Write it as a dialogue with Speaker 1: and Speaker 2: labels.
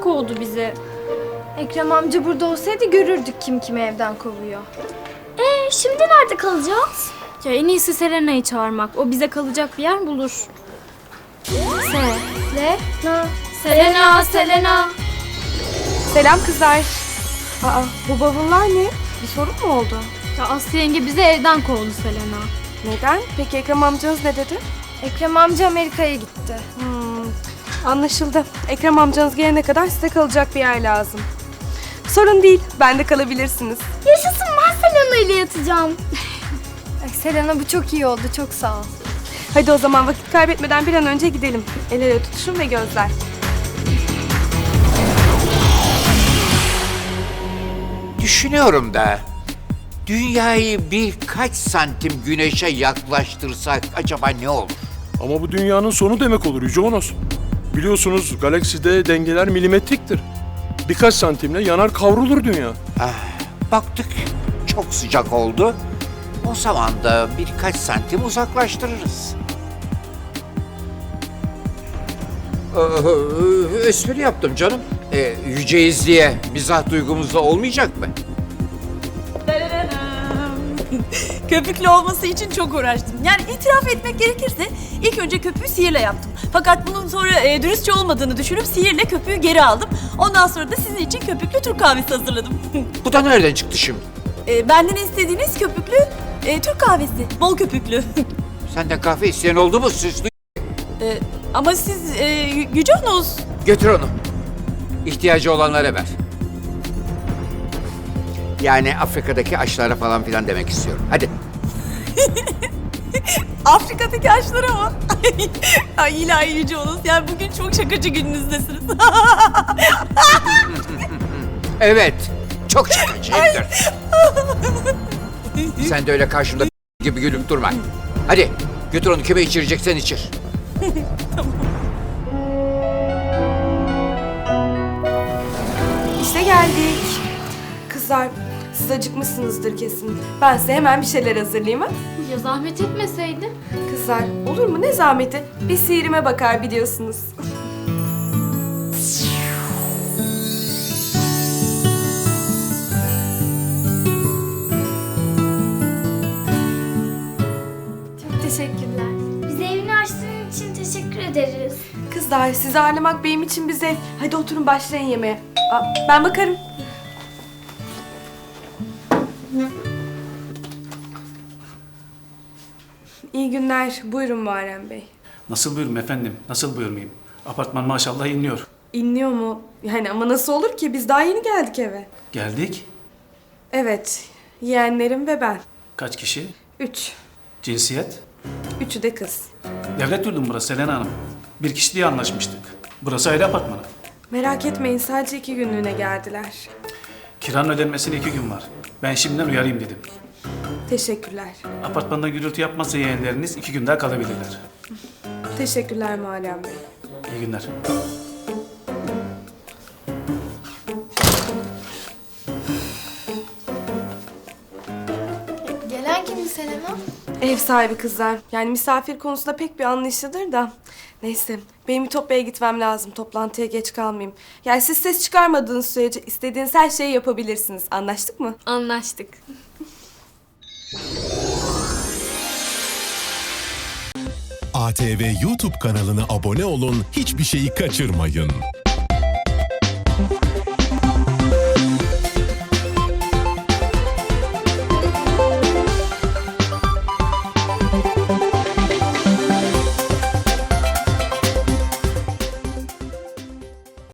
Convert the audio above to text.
Speaker 1: kovdu bizi.
Speaker 2: Ekrem amca burada olsaydı görürdük kim kimi evden kovuyor.
Speaker 1: Şimdi nerede kalacağız? Ya en iyisi Selena'yı çağırmak. O bize kalacak bir yer bulur. Selena.
Speaker 3: Selam kızlar. Aa, bu bavullar ne? Bir sorun mu oldu?
Speaker 1: Ya Aslı yenge bizi evden kovdu Selena.
Speaker 3: Neden? Peki Ekrem amcanız ne dedi?
Speaker 2: Ekrem amca Amerika'ya gitti.
Speaker 3: Anlaşıldı. Ekrem amcanız gelene kadar size kalacak bir yer lazım. Sorun değil, bende kalabilirsiniz.
Speaker 1: Yaşasın, ben Selena ile yatacağım.
Speaker 2: Ay Selena, bu çok iyi oldu, çok sağ ol.
Speaker 3: Hadi o zaman vakit kaybetmeden bir an önce gidelim. El ele tutuşun ve gözler.
Speaker 4: Düşünüyorum da dünyayı birkaç santim güneşe yaklaştırsak acaba ne olur?
Speaker 5: Ama bu dünyanın sonu demek olur Yüce Onos. Biliyorsunuz galakside dengeler milimetriktir. Birkaç santimle yanar kavrulur dünya.
Speaker 4: Baktık çok sıcak oldu. O zaman da birkaç santim uzaklaştırırız. Espri yaptım canım. Yüceyiz diye mizah duygumuzda olmayacak mı?
Speaker 6: Köpüklü olması için çok uğraştım. Yani itiraf etmek gerekirse ilk önce köpüğü sihirle yaptım. Fakat bunun sonra dürüstçe olmadığını düşünüp sihirle köpüğü geri aldım. Ondan sonra da sizin için köpüklü Türk kahvesi hazırladım.
Speaker 4: Bu da nereden çıktı şimdi?
Speaker 6: Benden istediğiniz köpüklü Türk kahvesi. Bol köpüklü.
Speaker 4: Senden kahve isteyen oldu mu?
Speaker 6: Ama siz Yüce Onos.
Speaker 4: Götür onu. İhtiyacı olanlara ver. Yani Afrika'daki açlara falan filan demek istiyorum. Hadi.
Speaker 6: Afrika'daki ağaçlara mı? Ay ilahi Yüce Onos. Yani bugün çok şakacı gününüzdesiniz.
Speaker 4: Evet. Çok şakacıyımdır. Sen de öyle karşımda gibi gülüp durma. Hadi götür onu, kime içireceksen içir.
Speaker 3: İşte geldik. Kızlar, siz acıkmışsınızdır kesin. Ben size hemen bir şeyler hazırlayayım ha.
Speaker 1: Ya zahmet etmeseydin.
Speaker 3: Kızlar, olur mu? Ne zahmeti? Bir sihirime bakar biliyorsunuz.
Speaker 2: Çok teşekkürler.
Speaker 1: Bize evini açtığın için teşekkür ederiz.
Speaker 3: Kızlar, sizi ağırlamak benim için bir zevk. Hadi oturun başlayın yemeğe. Ben bakarım. İyi günler. Buyurun Muharrem Bey.
Speaker 7: Nasıl buyurun efendim? Nasıl buyurmayayım? Apartman maşallah inliyor.
Speaker 3: İnliyor mu? Yani ama nasıl olur ki? Biz daha yeni geldik eve.
Speaker 7: Geldik.
Speaker 3: Evet. Yeğenlerim ve ben.
Speaker 7: Kaç kişi?
Speaker 3: 3.
Speaker 7: Cinsiyet?
Speaker 3: 3'ü de kız.
Speaker 7: Devlet yurdu mu burası Selena Hanım? Bir kişi diye anlaşmıştık. Burası aile apartmanı.
Speaker 3: Merak etmeyin, sadece 2 günlüğüne geldiler.
Speaker 7: Kiranın ödenmesine 2 gün var. Ben şimdiden uyarayım dedim.
Speaker 3: Teşekkürler.
Speaker 7: Apartmanda gürültü yapmazsa yeğenleriniz 2 gün daha kalabilirler.
Speaker 3: Teşekkürler Muharrem Bey.
Speaker 7: İyi günler.
Speaker 2: Gelen kimdi Selena?
Speaker 3: Ev sahibi kızlar. Yani misafir konusunda pek bir anlayışlıdır da. Neyse, benim Ütopya'ya gitmem lazım. Toplantıya geç kalmayayım. Yani siz ses çıkarmadığınız sürece istediğiniz her şeyi yapabilirsiniz. Anlaştık mı?
Speaker 1: Anlaştık.
Speaker 8: ATV YouTube kanalına abone olun, hiçbir şeyi kaçırmayın.